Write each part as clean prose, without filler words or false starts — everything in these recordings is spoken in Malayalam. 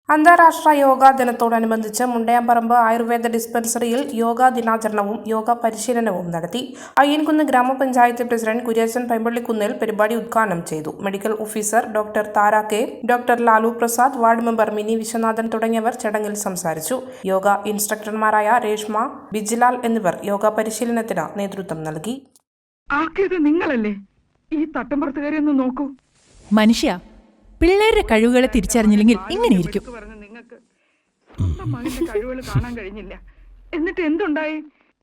അന്താരാഷ്ട്ര യോഗാ ദിനത്തോടനുബന്ധിച്ച് മുണ്ടയാംപറമ്പ് ആയുർവേദ ഡിസ്പെൻസറിയിൽ യോഗാ ദിനാചരണവും യോഗ പരിശീലനവും നടത്തി. അയ്യൻകുന്ന് ഗ്രാമപഞ്ചായത്ത് പ്രസിഡന്റ് കുര്യച്ചൻ പൈമ്പള്ളിക്കുന്നിൽ പരിപാടി ഉദ്ഘാടനം ചെയ്തു. Medical officer doctor Tara K, doctor Lalu Prasad, ward member Mini Viswanathan തുടങ്ങിയവർ ചടങ്ങിൽ സംസാരിച്ചു. യോഗ ഇൻസ്ട്രക്ടർമാരായ രേഷ്മ, ബിജിലാൽ എന്നിവർ യോഗ പരിശീലനത്തിന് നേതൃത്വം നൽകി. നിങ്ങളല്ലേ ഈ തട്ടമ്പുറത്തുകാരി ഒന്ന് നോക്കൂ. മനുഷ്യ പിള്ളേരുടെ കഴിവുകളെ തിരിച്ചറിഞ്ഞില്ലെങ്കിൽ ഇങ്ങനെയിരിക്കും. കഴിവുകൾ കാണാൻ കഴിഞ്ഞില്ല. എന്നിട്ട് എന്തുണ്ടായി?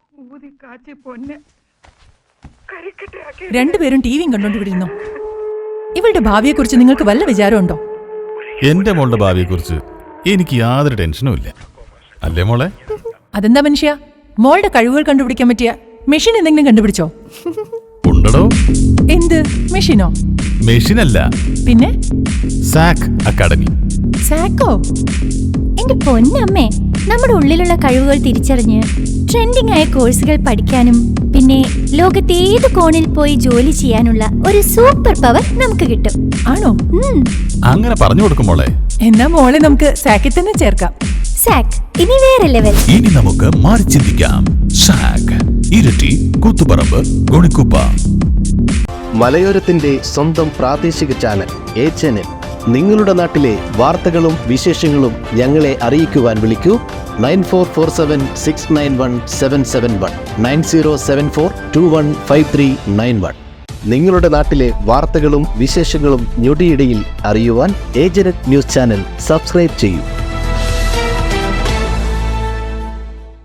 രണ്ടുപേരും ടിവിയും കണ്ടോണ്ടിരുന്നു. ഇവളുടെ ഭാവിയെക്കുറിച്ച് നിങ്ങൾക്ക് വല്ല വിചാരമുണ്ടോ? എന്റെ മോളുടെ ഭാവിയെക്കുറിച്ച് എനിക്ക് യാതൊരു ടെൻഷനും ഇല്ല. അല്ലേ മോളെ? അതെന്താ മനുഷ്യ, മോളുടെ കഴിവുകൾ കണ്ടുപിടിക്കാൻ പറ്റിയ മെഷീൻ എന്തെങ്കിലും കണ്ടുപിടിച്ചോ? ഉണ്ടോ? എന്ത് മെഷീനോ? മെഷീനല്ല, പിന്നെ സാക് അക്കാഡമി. സാക്കോ? എന്റെ പൊന്നമ്മേ, നമ്മുടെ ഉള്ളിലുള്ള കഴിവുകൾ തിരിച്ചറിഞ്ഞ് ട്രെൻഡിംഗ് ആയ കോഴ്സുകൾ പഠിക്കാനും പിന്നെ ലോകത്തെ ഏത് കോണിൽ പോയി ജോലി ചെയ്യാനുള്ള ഒരു സൂപ്പർ പവർ നമുക്ക് കിട്ടും. ആണോ? അങ്ങനെ പറഞ്ഞു കൊടുക്കും മോളെ. എന്നാ മോളെ നമുക്ക് സാക്കിൽ തന്നെ ചേർക്കാം. സാക് ഇനി വേറെ ലെവൽ. ഇനി നമുക്ക് മാറി ചിന്തിക്കാം. സാക്, ഇരട്ടി, കൂത്തുപറമ്പ്, ഗുണിക്കുപ്പ. മലയോരത്തിന്റെ സ്വന്തം പ്രാദേശിക ചാനൽ HNN. നിങ്ങളുടെ നാട്ടിലെ വാർത്തകളും വിശേഷങ്ങളും ഞങ്ങളെ അറിയിക്കുവാൻ വിളിക്കൂ 9447691771 9074215391. നിങ്ങളുടെ നാട്ടിലെ വാർത്തകളും വിശേഷങ്ങളും ഞൊടിയിടയിൽ അറിയുവാൻ ഏജന്റ് ന്യൂസ് ചാനൽ സബ്സ്ക്രൈബ് ചെയ്യൂ.